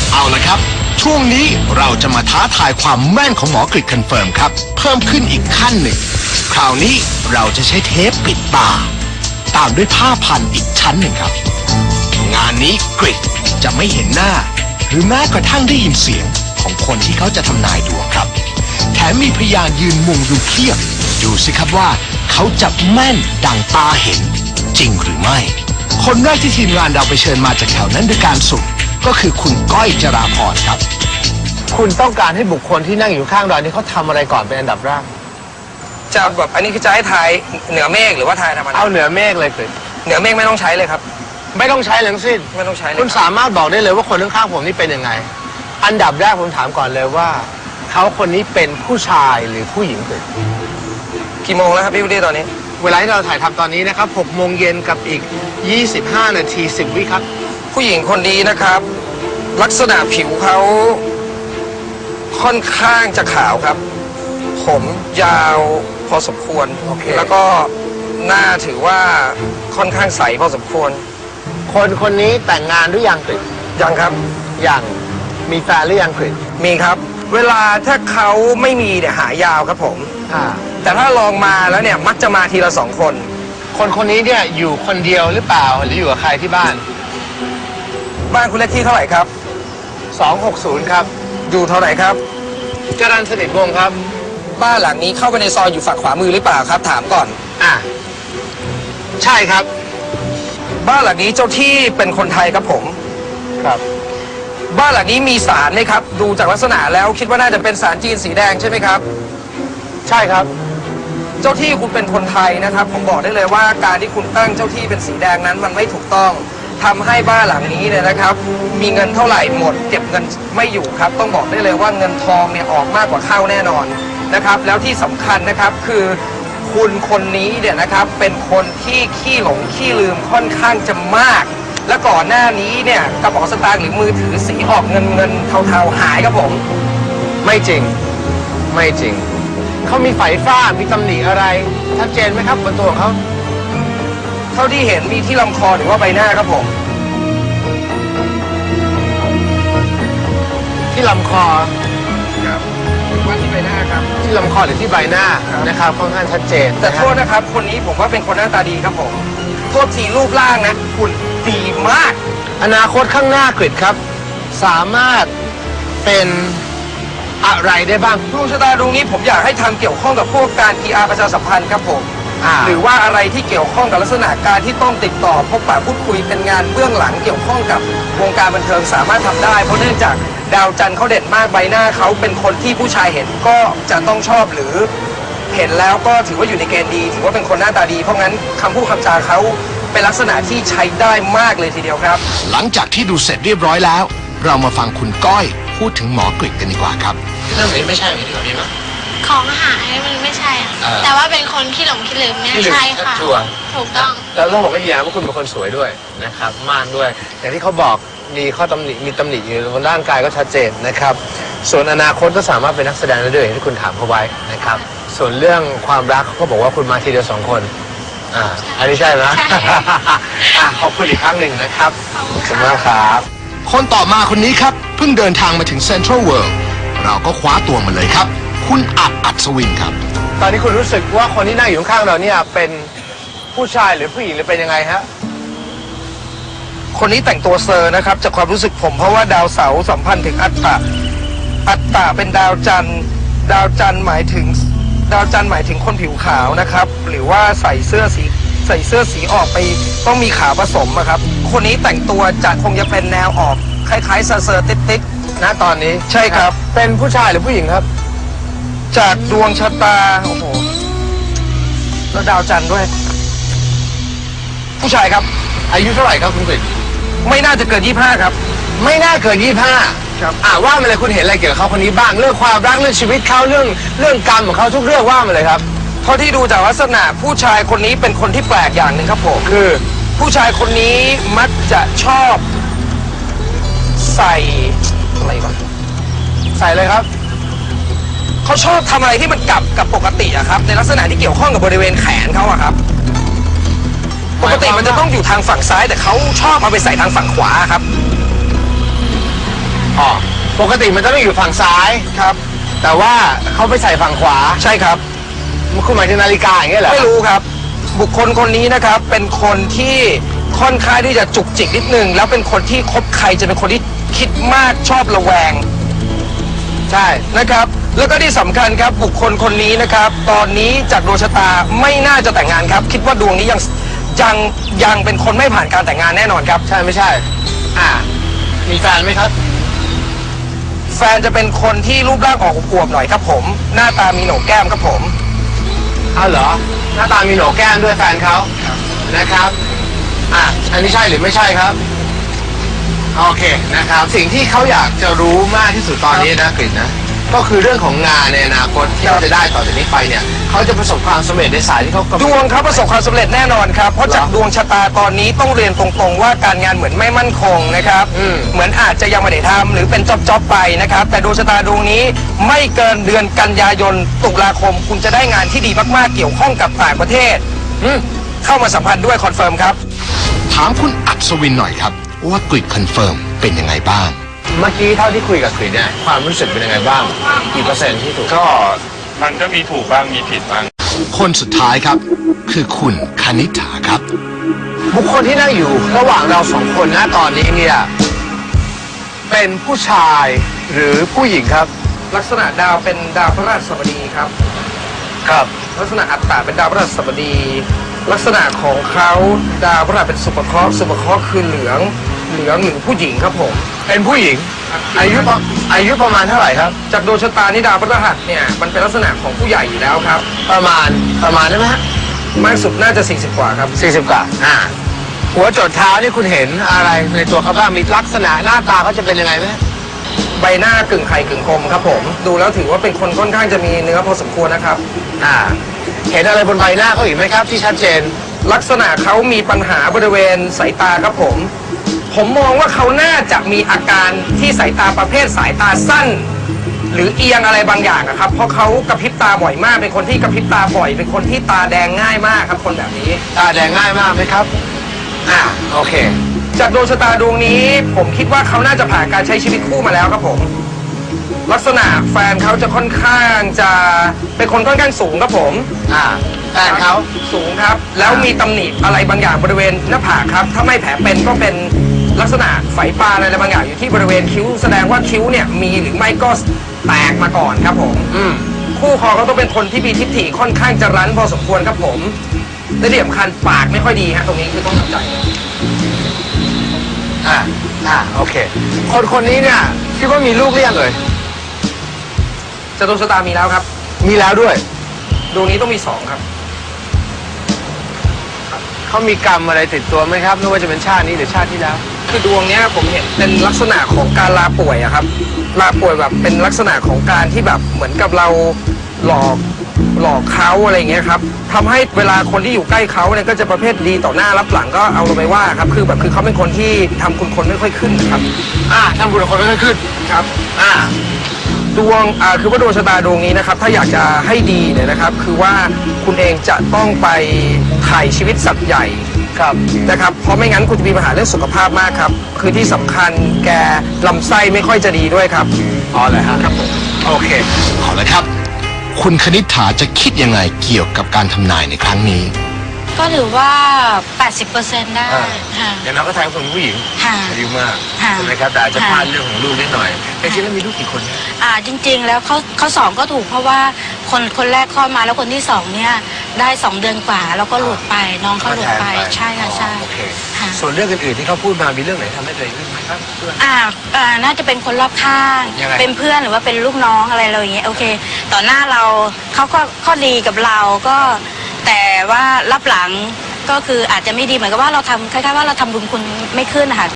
เอาละครับช่วงนี้เราจะมาท้าทายความแม่นของหมอกฤษคอนเฟิร์มครับเพิ่มขึ้นอีกขั้นหนึ่งคราวนี้เราจะใช้เทปปิดตาตามด้วยผ้าพันอีกชั้นหนึ่งครับงานนี้กฤษจะไม่เห็นหน้าหรือแม้กระทั่งได้ยินเสียงของคนที่เขาจะทำนายดวงครับแถมมีพยานยืนมุงดูเพียบดูสิครับว่าเขาจะแม่นดังตาเห็นจริงหรือไม่คนแรกที่ทีมงานเราไปเชิญมาจากแถวนั้นด้วยการสุ่มก็คือคุณก้อยจราพรครับคุณต้องการให้บุคคลที่นั่งอยู่ข้างเรานี่เขาทำอะไรก่อนเป็นอันดับแรกจะแบบอันนี้คือจะให้ทายเหนือเมฆหรือว่าทายธรรมดาเอาเหนือเมฆเลยคือเหนือเมฆไม่ต้องใช้เลยครับไม่ต้องใช้ทั้งสิ้นไม่ต้องใช้เลยคุณสามารถบอกได้เลยว่าคนข้างๆผมนี่เป็นยังไงอันดับแรกผมถามก่อนเลยว่าเขาคนนี้เป็นผู้ชายหรือผู้หญิงคือกี่โมงแล้วครับพี่วุฒิตอนนี้เวลาที่เราถ่ายทำตอนนี้นะครับ6 โมงเย็นกับอีก25 นาที10 วิครับผู้หญิงคนนี้นะครับ ลักษณะผิวเขาค่อนข้างจะขาวครับผมยาวพอสมควร okay. แล้วก็หน้าถือว่าค่อนข้างใสพอสมควรคนนี้แต่งงานหรือยังกฤษยังครับยังมีแฟนหรือยังกฤษมีครับเวลาถ้าเขาไม่มีเนี่ยหายาวครับผมแต่ถ้าลองมาแล้วเนี่ยมักจะมาทีละ2 คนนี้เนี่ยอยู่คนเดียวหรือเปล่าหรืออยู่กับใครที่บ้านคุณเลขที่เท่าไหร่ครับ 260ครับอยู่เท่าไหร่ครับจรัญสนิทวงศ์ครับบ้านหลังนี้เข้าไปในซอยอยู่ฝั่งขวามือหรือเปล่าครับถามก่อนใช่ครับบ้านหลังนี้เจ้าที่เป็นคนไทยครับผมครับบ้านหลังนี้มีศาลไหมครับดูจากลักษณะแล้วคิดว่าน่าจะเป็นศาลจีนสีแดงใช่ไหมครับใช่ครับเจ้าที่คุณเป็นคนไทยนะครับผมบอกได้เลยว่าการที่คุณตั้งเจ้าที่เป็นสีแดงนั้นมันไม่ถูกต้องทำให้บ้านหลังนี้เนี่ยนะครับมีเงินเท่าไหร่หมดเก็บเงินไม่อยู่ครับต้องบอกได้เลยว่าเงินทองเนี่ยออกมากกว่าเข้าแน่นอนนะครับแล้วที่สำคัญนะครับคือคุณคนนี้เนี่ยนะครับเป็นคนที่ขี้หลงขี้ลืมค่อนข้างจะมากและก่อนหน้านี้เนี่ยกระเป๋าสตางค์หรือมือถือสีออกเงินเทาๆหายครับผมไม่จริงเขามีไฝฟ้ามีตำหนิอะไรชัดเจนไหมครับบนตัวของเขาเท่าที่เห็นมีที่ลำคอหรือว่าใบหน้าครับผมที่ลำคอครับว่าที่ใบหน้าครับที่ลำคอหรือที่ใบหน้านะครับค่อนข้างชัดเจนแต่โทษนะครับคนนี้ผมว่าเป็นคนหน้าตาดีครับผมโทษทีรูปร่างนะคุณดีมากอนาคตข้างหน้ากฤษครับสามารถเป็นอะไรได้บ้างดวงชะตาดวงนี้ผมอยากให้ทำเกี่ยวข้องกับพวกการ PR ประชาสัมพันธ์ครับผมหรือว่าอะไรที่เกี่ยวข้องกับลักษณะการที่ต้องติดต่อพบปะพูดคุยเป็นงานเบื้องหลังเกี่ยวข้องกับวงการบันเทิงสามารถทำได้เพราะเนื่องจากดาวจันทร์เขาเด่นมากใบหน้าเขาเป็นคนที่ผู้ชายเห็นก็จะต้องชอบหรือเห็นแล้วก็ถือว่าอยู่ในเกณฑ์ดีถือว่าเป็นคนหน้าตาดีเพราะงั้นคำพูดคำจาเขาเป็นลักษณะที่ใช้ได้มากเลยทีเดียวครับหลังจากที่ดูเสร็จเรียบร้อยแล้วเรามาฟังคุณก้อยพูดถึงหมอกฤษกันดีกว่าครับเรื่องนี้ไม่ใช่ที่เราพี่มาของหายมันไม่ใช่แต่ว่าเป็นคนขี้หลงขี้ลืมเนี่ยใช่ค่ะถูกต้องแล้วต้องบอกให้ยาว่าคุณเป็นคนสวยด้วยนะครับม่านด้วยอย่างที่เขาบอกมีข้อตำหนิมีตำหนิอยู่บนร่างกายก็ชัดเจนนะครับส่วนอนาคตก็สามารถเป็นนักแสดงได้ด้วยอย่างที่คุณถามเขาไว้นะครับส่วนเรื่องความรักเขาก็บอกว่าคุณมาทีเดียว2 คนอันนี้ใช่ไหมขอบคุณอีกครั้งหนึ่งนะครับขอบคุณมากครับคนต่อมาคนนี้ครับเพิ่งเดินทางมาถึงเซ็นทรัลเวิลด์เราก็คว้าตัวมาเลยครับคุณอัศวินครับตอนนี้คุณรู้สึกว่าคนที่นั่งอยู่ข้างเราเนี่ยเป็นผู้ชายหรือผู้หญิงหรือเป็นยังไงฮะคนนี้แต่งตัวเซอร์นะครับจากความรู้สึกผมเพราะว่าดาวเสาร์สัมพันธ์ถึงอัตตะเป็นดาวจันทร์หมายถึงคนผิวขาวนะครับหรือว่าใส่เสื้อสีออกไปต้องมีขาวผสมครับคนนี้แต่งตัวจะคงจะเป็นแนวออกคล้ายๆเซอร์ติ๊ดๆนะตอนนี้ใช่ครับเป็นผู้ชายหรือผู้หญิงครับจากดวงชะตาโอ้โหแล้วดาวจันทร์ด้วยผู้ชายครับอายุเท่าไหร่ครับคุณกฤษไม่น่าจะเกิน25ครับไม่น่าเกิน25ครับว่ามาเลยคุณเห็นอะไรเกี่ยวกับเขาคนนี้บ้างเรื่องความรักเรื่องชีวิตเขาเรื่องกรรมของเขาทุกเรื่องว่ามาเลยครับเท่าที่ดูจากลักษณะผู้ชายคนนี้เป็นคนที่แปลกอย่างหนึ่งครับผมคือผู้ชายคนนี้มักจะชอบใส่อะไรวะใส่เลยครับเขาชอบทำอะไรที่มันกับปกติอะครับในลักษณะที่เกี่ยวข้องกับบริเวณแขนเขาอะครับปกติมันจะต้องอยู่ทางฝั่งซ้ายแต่เขาชอบเอาไปใส่ทางฝั่งขวาครับอ๋อปกติมันจะต้องอยู่ฝั่งซ้ายครับแต่ว่าเขาไปใส่ฝั่งขวาใช่ครับคุณหมายถึงนาฬิกาอย่างเงี้ยเหรอไม่รู้ครับ บุคคลคนนี้นะครับเป็นคนที่ค่อนข้างที่จะจุกจิกนิดนึงแล้วเป็นคนที่คบใครจะเป็นคนที่คิดมากชอบระแวงใช่นะครับ แล้วก็ที่สำคัญครับบุคคลคนนี้นะครับ ตอนนี้จากดวงชะตาไม่น่าจะแต่งงานครับ คิดว่าดวงนี้ยังเป็นคนไม่ผ่านการแต่งงานแน่นอนครับใช่ไม่ใช่ มีแฟนไหมครับแฟนจะเป็นคนที่รูปร่างออกอวบๆหน่อยครับผม หน้าตามีโหนกแก้มครับผมอ้าวเหรอ หน้าตามีโหนกแก้มด้วยแฟนเขานะครับ อันนี้ใช่หรือไม่ใช่ครับ โอเคนะครับ สิ่งที่เขาอยากจะรู้มากที่สุดตอนนี้นะกฤษนะ ก็คือเรื่องของงานในอนาคตที่เขาจะได้ต่อจากนี้ไปเนี่ยเขาจะประสบความสำเร็จในสายที่เขากำลังดวงเขาประสบความสำเร็จแน่นอนครับ เพราะจากดวงชะตาตอนนี้ต้องเรียนตรงๆว่าการงานเหมือนไม่มั่นคงนะครับ เหมือนอาจจะยังไม่ได้ทำหรือเป็นจ็อบๆไปนะครับ แต่ดวงชะตาดวงนี้ไม่เกินเดือนกันยายนตุลาคม คุณจะได้งานที่ดีมากๆเกี่ยวข้องกับต่างประเทศเข้ามาสัมพันธ์ด้วยคอนเฟิร์มครับถามคุณอัศวินหน่อยครับ ว่ากฤษคอนเฟิร์มเป็นยังไงบ้าง เมื่อกี้เท่าที่คุยกับกฤษเนี่ยความรู้สึกเป็นยังไงบ้างกี่เปอร์เซ็นต์ที่ถูกก็มันก็มีถูกบ้างมีผิดบ้างคนสุดท้ายครับ คือคุณคณิษฐาครับ บุคคลที่นั่งอยู่ระหว่างเราสองคนนะตอนนี้เนี่ยเป็นผู้ชายหรือผู้หญิงครับลักษณะดาวเป็นดาวพฤหัสบดีครับครับลักษณะอัตตาเป็นดาวพฤหัสบดี ลักษณะของเขาดาวพฤหัสเป็นสุภเคราะห์สุภเคราะห์คือเหลืองหรือผู้หญิงครับผมเป็นผู้หญิง อายุประมาณเท่าไหร่ครับจากดวงชะตานี่ดาวพฤหัสเนี่ยมันเป็นลักษณะของผู้ใหญ่อยู่แล้วครับประมาณได้ไหมฮะมากสุดน่าจะ40กว่าครับ 40 กว่าหัวจดเท้านี่คุณเห็นอะไรในตัวเขาบ้างมีลักษณะหน้าตาเขาจะเป็นยังไงไหมใบหน้ากึ่งไข่กึ่งคมครับผม ดูแล้วถือว่าเป็นคนค่อนข้างจะมีเนื้อพอสมควรนะครับเห็นอะไรบนใบหน้าเขาอีกไหมครับ ที่ชัดเจนลักษณะเขามีปัญหาบริเวณสายตาครับผม ผมมองว่าเขาน่าจะมีอาการที่สายตาประเภทสายตาสั้น หรือเอียงอะไรบางอย่างอะครับ เพราะเขากระพริบตาบ่อยมาก เป็นคนที่กระพริบตาบ่อย เป็นคนที่ตาแดงง่ายมากครับคนแบบนี้ตาแดงง่ายมากไหมครับ โอเคจากดวงชะตาดวงนี้ ผมคิดว่าเขาน่าจะผ่านการใช้ชีวิตคู่มาแล้วครับผม ลักษณะแฟนเขาจะค่อนข้างจะเป็นคนค่อนข้างสูงครับผมแฟนเขาสูงครับ แล้วมีตำหนิอะไรบางอย่างบริเวณหน้าผากครับ ถ้าไม่แผลเป็นก็เป็นลักษณะไฝปานอะไรบางอย่างอยู่ที่บริเวณคิ้ว แสดงว่าคิ้วเนี่ยมีหรือไม่ก็แตกมาก่อนครับผม คู่ครองเขาต้องเป็นคนที่มีทิฏฐิค่อนข้างจะรั้นพอสมควรครับผมและที่สำคัญปากไม่ค่อยดีฮะตรงนี้คือต้องทำใจโอเค คนนี้เนี่ยคิดว่ามีลูกหรือยังเลยจะดวงชะตามีแล้วครับมีแล้วด้วยดวงนี้ต้องมี2ครับเขามีกรรมอะไรติดตัวไหมครับ ไม่ว่าจะเป็นชาตินี้หรือชาติที่แล้วคือดวงเนี้ยผมเห็นเป็นลักษณะของการลาป่วยอะครับ ลาป่วยแบบเป็นลักษณะของการที่แบบเหมือนกับเราหลอกเขาอะไรเงี้ยครับทำให้เวลาคนที่อยู่ใกล้เขาเนี่ยก็จะประเภทดีต่อหน้ารับหลังก็เอาลงไปว่าครับคือเขาเป็นคนที่ทำคุณคนไม่ค่อยขึ้นนะครับทำบุญกับคนไม่ค่อยขึ้นครับดวงคือว่าดวงชะตาดวงนี้นะครับ ถ้าอยากจะให้ดีเนี่ยนะครับ คือว่าคุณเองจะต้องไปถ่ายชีวิตสัตว์ใหญ่นะครับเพราะไม่งั้นคุณจะมีปัญหาเรื่องสุขภาพมากครับ คือที่สำคัญแกลำไส้ไม่ค่อยจะดีด้วยครับอ๋อเลยฮะครับโอเคเอาละครับ คุณคณิษฐาจะคิดยังไงเกี่ยวกับการทำนายในครั้งนี้ก็ถือว่า 80%ได้ค่ะอย่างน้อยก็ทายคนผู้หญิงค่ะอายุมากค่ะใช่ไหมครับแต่อาจจะพค่ะลาดเรื่องของลูกนิดหน่อยแต่จริงๆแล้วมีลูกกี่คนเนี่ยจริงๆ แล้วเขาสองก็ถูกเพราะว่าคนแรกคลอดมาแล้วคนที่สองเนี่ยได้2 เดือนกว่าแล้วก็หลุดไปน้องเขาหลุดไปใช่ค่ะใช่โอเคค่ะส่วนเรื่องอื่นๆที่เขาพูดมามีเรื่องไหนทำให้ตัวเองขึ้นไหมครับเพื่อนน่าจะเป็นคนรอบข้างยังไงเป็นเพื่อนหรือว่าเป็นลูกน้องอะไรเราอย่างเงี้ยโอเค ต่อหน้าเราเขาก็ข้อดีกับเราก็ แต่ว่ารับหลังก็คืออาจจะไม่ดีเหมือนกับว่าเราทำคล้ายๆว่าเราทำบุญคุณไม่ขึ้นนะคะ